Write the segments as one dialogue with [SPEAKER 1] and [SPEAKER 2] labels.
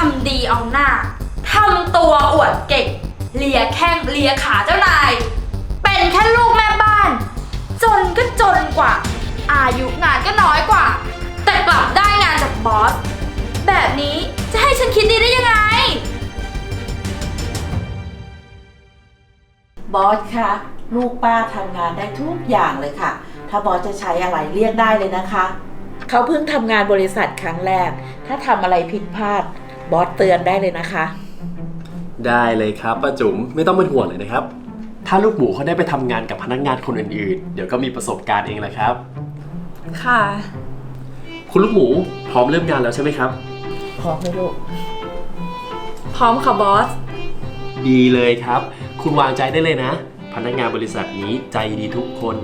[SPEAKER 1] ำดีเอาหน้าทำตัวอวดเก่งเลียแข้งเลียขาเจ้านายเป็นแค่ลูกแม่บ้านจนก็จนกว่าอายุงานก็น้อยกว่าแต่กลับได้งานจากบอสแบบนี้จะให้ฉันคิดดีได้ยังไง
[SPEAKER 2] บอสคะลูกป้าทำงานได้ทุกอย่างเลยค่ะถ้าบอสจะใช้อะไรเรียกได้เลยนะคะเขาเพิ่งทำงานบริษัทครั้งแรกถ้าทำอะไรผิดพลาดบอสเตือนได้เลยนะคะ
[SPEAKER 3] ได้เลยครับป้าจุ๋มไม่ต้องเป็นห่วงเลยนะครับถ้าลูกหมูเขาได้ไปทำงานกับพนักงานคนอื่นๆเดี๋ยวก็มีประสบการณ์เองแหละครับ
[SPEAKER 1] ค่ะ
[SPEAKER 3] คุณลูกหมูพร้อมเริ่มงานแล้วใช่ไหมครับ
[SPEAKER 2] พร้อมไหมลูก
[SPEAKER 1] พร้อมค่ะบอส
[SPEAKER 3] ดีเลยครับคุณวางใจได้เลยนะพนักงานบริษัทนี้ใจดีทุกคน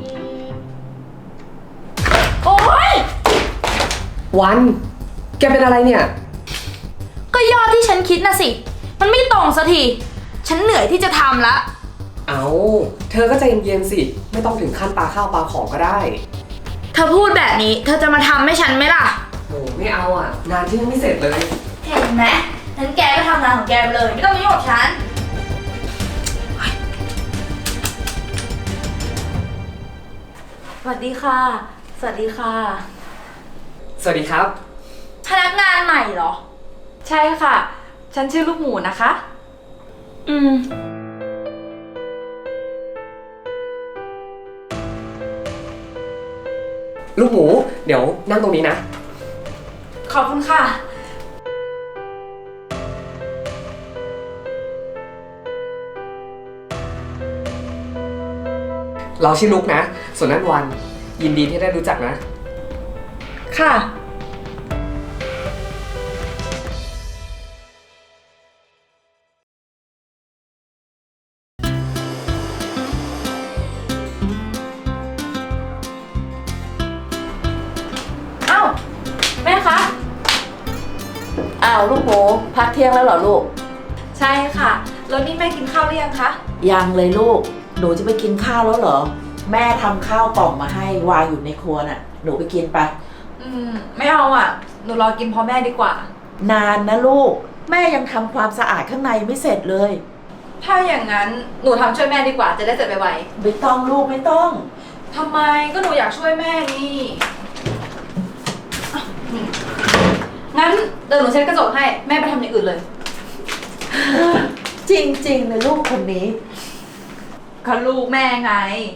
[SPEAKER 1] โอ๊ย
[SPEAKER 4] วันแกเป็นอะไรเนี่ย
[SPEAKER 1] ก็ยอดที่ฉันคิดนะสิมันไม่ตรงสักทีฉันเหนื่อยที่จะทำละ
[SPEAKER 4] เอาเธอก็ใจเย็นๆสิไม่ต้องถึงขั้นปาข้าวปาของก็ได้
[SPEAKER 1] เธอพูดแบบนี้เธอจะมาทำให้ฉันไหมล่ะ
[SPEAKER 4] โอ้ไม่เอาอ่ะงานที่ยังไม่เสร็จเลย
[SPEAKER 1] เห็นไหมงั้นแกก็ทำงานของแกไปเลยไม่ต้องมายุ่งกับฉันสวัสดีค่ะสวัสดีค่ะ
[SPEAKER 4] สวัสดีครับ
[SPEAKER 1] พนักงานใหม่เหรอ
[SPEAKER 5] ใช่ค่ะฉันชื่อลูกหมูนะคะ
[SPEAKER 4] ลูกหมูเดี๋ยวนั่งตรงนี้นะ
[SPEAKER 1] ขอบคุณค่ะ
[SPEAKER 4] เราชื่อลูกนะส่วนนั้นวันยินดีที่ได้รู้จักนะ
[SPEAKER 1] ค่ะแม่คะ
[SPEAKER 2] อ้าวลูกหมูพักเที่ยงแล้วเหรอลูก
[SPEAKER 5] ใช่ค่ะแล้วนี่แม่กินข้าวหรือยังคะ
[SPEAKER 2] ยังเลยลูกหนูจะไปกินข้าวแล้วเหรอแม่ทำข้าวกล่องมาให้วางอยู่ในครัวน่ะหนูไปกินไป
[SPEAKER 5] ไม่เอาอ่ะหนูรอกินพร้อมแม่ดีกว่าน
[SPEAKER 2] านนะลูกแม่ยังทำความสะอาดข้างในไม่เสร็จเลย
[SPEAKER 5] ถ้าอย่างนั้นหนูทำช่วยแม่ดีกว่าจะได้เสร็จไว
[SPEAKER 2] ๆไม่ต้องลูกไม่ต้อง
[SPEAKER 5] ทำไมก็หนูอยากช่วยแม่นี่งั้นเดี๋ยวหนูเช็ดกระจกให้แม่ไปทำอย่างอื่นเลย
[SPEAKER 2] จริงๆเลยลูกคนนี้
[SPEAKER 5] ก็ลูกแม่ไง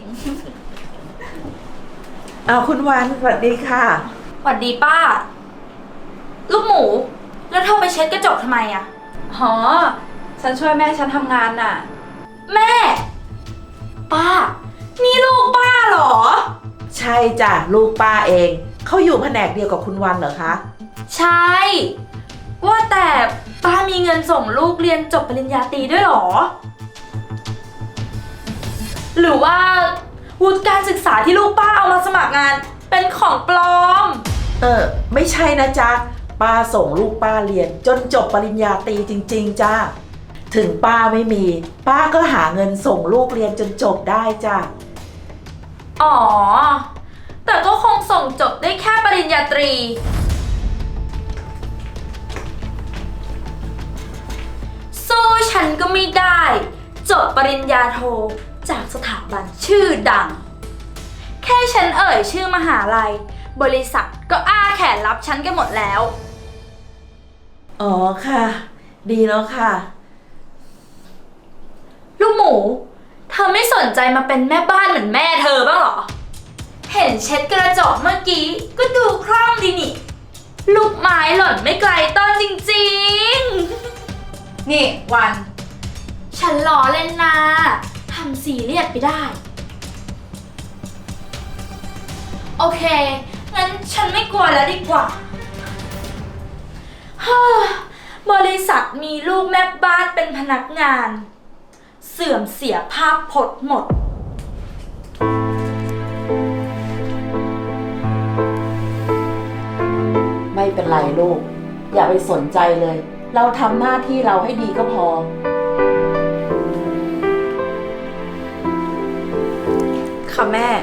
[SPEAKER 2] เอาคุณวานสวัสดีค่ะ
[SPEAKER 1] สวัสดีป้าลูกหมูแล้วเธอไปเช็ดกระจกทำไมอะ
[SPEAKER 5] อ๋อฉันช่วยแม่ฉันทำงานน่ะ
[SPEAKER 1] แม่ป้านี่ลูกป้าเหรอ
[SPEAKER 2] ใช่จ้ะลูกป้าเองเขาอยู่แผนกเดียวกับคุณวันเหรอคะ
[SPEAKER 1] ใช่ว่าแต่ป้ามีเงินส่งลูกเรียนจบปริญญาตรีด้วยเหรอหรือว่าวุฒิการศึกษาที่ลูกป้าเอามาสมัครงานเป็นของปลอม
[SPEAKER 2] ไม่ใช่นะจ๊ะป้าส่งลูกป้าเรียนจนจบปริญญาตรีจริงๆจ้าถึงป้าไม่มีป้าก็หาเงินส่งลูกเรียนจนจบได้จ้ะ
[SPEAKER 1] อ๋อแต่ก็คงส่งจบได้แค่ปริญญาตรีสู้ฉันก็ไม่ได้จบปริญญาโทจากสถาบันชื่อดังแค่ฉันเอ่ยชื่อมหาลัยบริษัทก็อ้าแขนรับฉันกันหมดแล้ว
[SPEAKER 2] อ๋อค่ะดีแล้วค่ะ
[SPEAKER 1] ลูกหมูเธอไม่สนใจมาเป็นแม่บ้านเหมือนแม่เธอบ้างเหรอเห็นเช็ดกระจกเมื่อกี้ก็ดูคล่องดีนี่ลูกไม้หล่นไม่ไกลต้นจริงๆ
[SPEAKER 5] นี่วัน
[SPEAKER 1] ฉันล้อเล่นนะทำซีเรียสไปได้โอเคงั้นฉันไม่กลัวแล้วดีกว่าบริษัทมีลูกแม่บ้านเป็นพนักงานเสื่อมเสียภาพพจน์หมด
[SPEAKER 2] ไม่เป็นไรลูกอย่าไปสนใจเลยเราทำหน้าที่เราให้ดีก็พอ
[SPEAKER 5] ค่ะแม่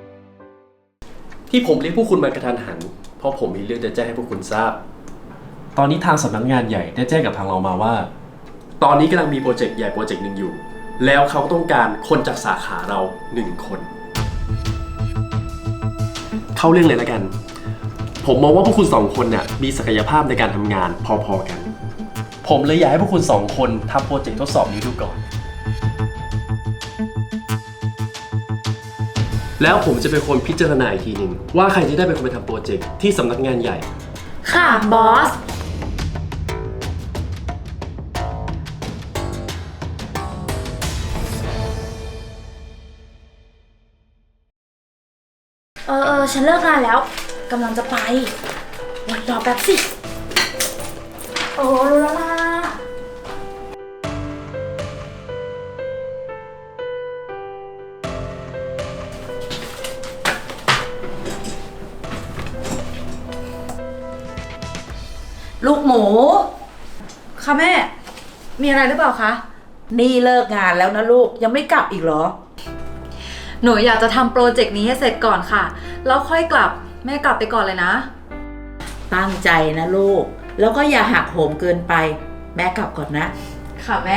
[SPEAKER 3] ที่ผมเรียกพวกคุณมากระทันหันเพราะผมมีเรื่องจะแจ้งให้พวกคุณทราบตอนนี้ทางสำนักงานใหญ่ได้แจ้งกับทางเรามาว่า ตอนนี้กำลังมีโปรเจกต์ใหญ่โปรเจกต์หนึ่งอยู่ แล้วเขาต้องการคนจากสาขาเรา1 คน เข้าเรื่องเลยแล้วกัน ผมมองว่าพวกคุณ2 คนเนี่ยมีศักยภาพในการทำงานพอๆกัน ผมเลยอยากให้พวกคุณ2 คนทำโปรเจกต์ทดสอบนี้ดูก่อน แล้วผมจะเป็นคนพิจารณาอีกทีหนึ่งว่าใครจะได้เป็นคนไปทำโปรเจกต์ที่สำนักงานใหญ่
[SPEAKER 1] ค่ะบอส ฉันเลิกงานแล้วกำลังจะไปวันรอแป๊บสิ โอ้รู้แล้วล่ะ
[SPEAKER 2] ลูกหมู
[SPEAKER 5] ค่ะแม่ มีอะไรหรือเปล่าคะ
[SPEAKER 2] นี่เลิกงานแล้วนะลูกยังไม่กลับอีกเหรอ
[SPEAKER 5] หนูอยากจะทำโปรเจกต์นี้ให้เสร็จก่อนค่ะ แล้วค่อยกลับ แม่กลับไปก่อนเลยนะ
[SPEAKER 2] ตั้งใจนะลูก แล้วก็อย่าหักโหมเกินไป แม่กลับก่อนนะ
[SPEAKER 5] ค่ะแม่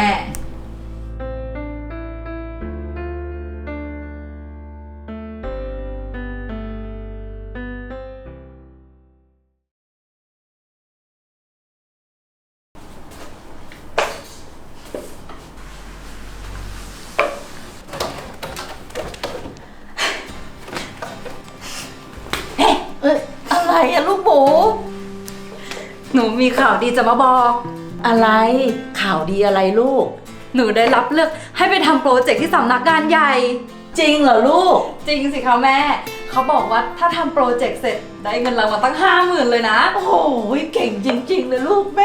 [SPEAKER 2] อะไรอะลูกหมู
[SPEAKER 5] หนูมีข่าวดีจะมาบอก
[SPEAKER 2] อะไรข่าวดีอะไรลูก
[SPEAKER 5] หนูได้รับเลือกให้ไปทำโปรเจกต์ที่สำนักงานใหญ่
[SPEAKER 2] จริงเหรอลูก
[SPEAKER 5] จริงสิคะแม่ เขาบอกว่าถ้าทำโปรเจกต์เสร็จได้เงินรางวัลตั้ง 50,000เลยนะ
[SPEAKER 2] โอ้โหเก่งจริงๆเลยลูกแม่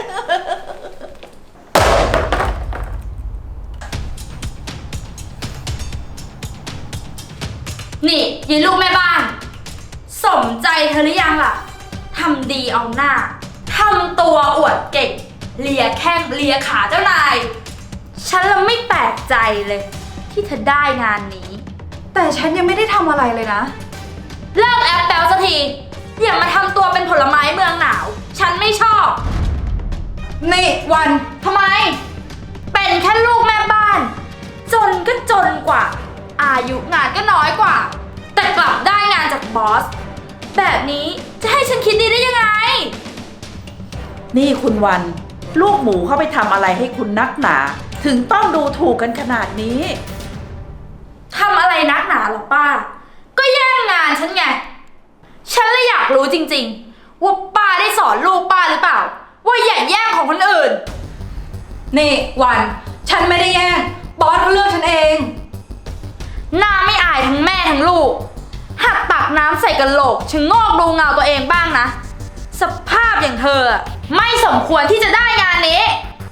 [SPEAKER 1] นี่ยีลูกแม่บ้าน สมใจเธอหรือยังล่ะทำดีเอาหน้าทำตัวอวดเก่งเลียแข้งเลียขาเจ้านาย ฉันละไม่แปลกใจเลย ที่เธอได้งานนี้
[SPEAKER 5] แต่ฉันยังไม่ได้ทำอะไรเลยนะ
[SPEAKER 1] เลิกแอปแปลสักที อย่ามาทำตัวเป็นผลไม้เมืองหนาว ฉันไม่ชอบ
[SPEAKER 5] นี่วัน
[SPEAKER 1] ทำไม เป็นแค่ลูกแม่บ้าน จนก็จนกว่า อายุงานก็น้อยกว่า แต่กลับได้งานจากบอส แบบนี้จะให้ฉันคิดดีได้ยังไง
[SPEAKER 2] นี่คุณวัน ลูกหมูเข้าไปทำอะไรให้คุณนักหนา ถึงต้องดูถูกกันขนาดนี้
[SPEAKER 1] ทำอะไรนักหนาหรอป้า ก็แย่งงานฉันไง ฉันเลยอยากรู้จริงๆ ว่าป้าได้สอนลูกป้าหรือเปล่า ว่าอย่าแย่งของคนอื่น
[SPEAKER 5] นี่วัน ฉันไม่ได้แย่ง บอสเขาเลือกฉันเอง
[SPEAKER 1] หน้าไม่อายทั้งแม่ทั้งลูก หัดตักน้ำใส่กระโหลกชะโงอกดูเงาตัวเองบ้างนะ สภาพอย่างเธออะไม่สมควรที่จะได้งานนี้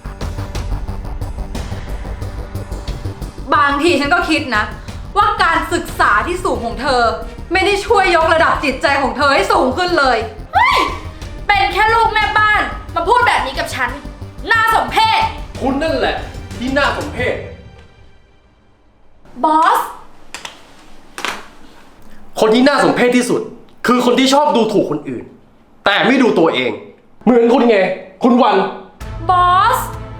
[SPEAKER 5] บางทีฉันก็คิดนะ ว่าการศึกษาที่สูงของเธอ ไม่ได้ช่วยยกระดับจิตใจของเธอให้สูงขึ้นเลย
[SPEAKER 1] เฮ้ย เป็นแค่ลูกแม่บ้าน มาพูดแบบนี้กับฉัน น่าสมเพช
[SPEAKER 3] คุณนั่นแหละที่น่าสมเพช
[SPEAKER 1] บอส
[SPEAKER 3] คนที่น่าสมเพชที่สุด คือคนที่ชอบดูถูกคนอื่น แต่ไม่ดูตัวเอง เหมือนคุณไง คุณวัน
[SPEAKER 1] บอส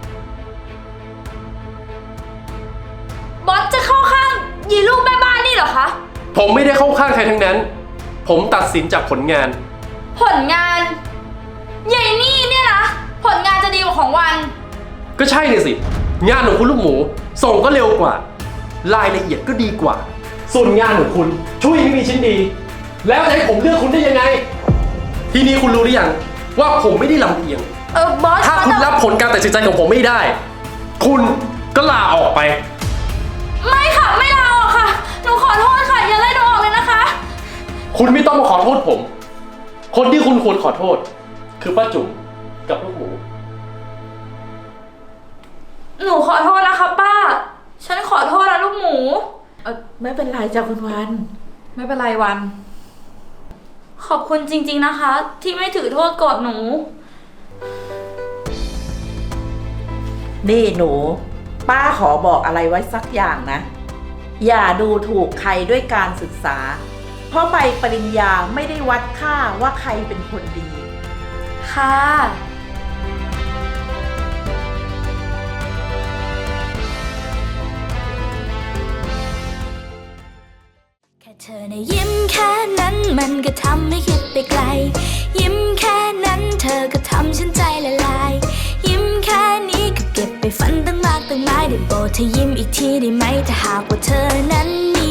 [SPEAKER 1] บอสจะเข้าข้างยีลูกแม่บ้านนี่เหรอคะ
[SPEAKER 3] ผมไม่ได้เข้าข้างใครทั้งนั้น ผมตัดสินจากผลงาน
[SPEAKER 1] ผลงานใหญ่นี่เนี่ยนะ ผลงานจะดีกว่าของวัน
[SPEAKER 3] ก็ใช่เลยสิ งานของคุณลูกหมู ส่งก็เร็วกว่า รายละเอียดก็ดีกว่า ส่วนงานของคุณช่วยไม่มีชิ้นดี แล้วจะให้ผมเลือกคุณได้ยังไง ทีนี้คุณรู้หรือยังว่าผมไม่ได้ลำเอียง
[SPEAKER 1] บอส
[SPEAKER 3] ถ้าคุณรับผลการตัดสินใจของผมไม่ได้ คุณก็ลาออกไป
[SPEAKER 1] ไม่ค่ะ ไม่ลาออกค่ะ หนูขอโทษค่ะ อย่าไล่หนูออกเลยนะคะ
[SPEAKER 3] คุณไม่ต้องมาขอโทษผม คนที่คุณควรขอโทษ คือป้าจุ๋มกับลูกหมู
[SPEAKER 1] หนูขอโทษนะคะป้า ฉันขอโทษนะลูกหมู
[SPEAKER 2] ไม่เป็นไรจ้ะคุณวัน
[SPEAKER 5] ไม่เป็นไรวัน
[SPEAKER 1] ขอบคุณจริงๆนะคะ ที่ไม่ถือโทษโกรธหนู
[SPEAKER 2] นี่หนู ป้าขอบอกอะไรไว้สักอย่างนะ อย่าดูถูกใครด้วยการศึกษา เพราะใบปริญญาไม่ได้วัดค่าว่าใครเป็นคนดี
[SPEAKER 1] ค่ะ
[SPEAKER 6] เธอในะยิ้มแค่นั้นมันก็ทำให้คิดไปไกล ยิ้มแค่นั้นเธอก็ทำฉันใจละลาย ยิ้มแค่นี้ก็เก็บไปฝันตั้งมากตั้งหลายได้โปรดเธอยิ้มอีกทีได้ไหมถ้าหากว่าเธอนั้นมี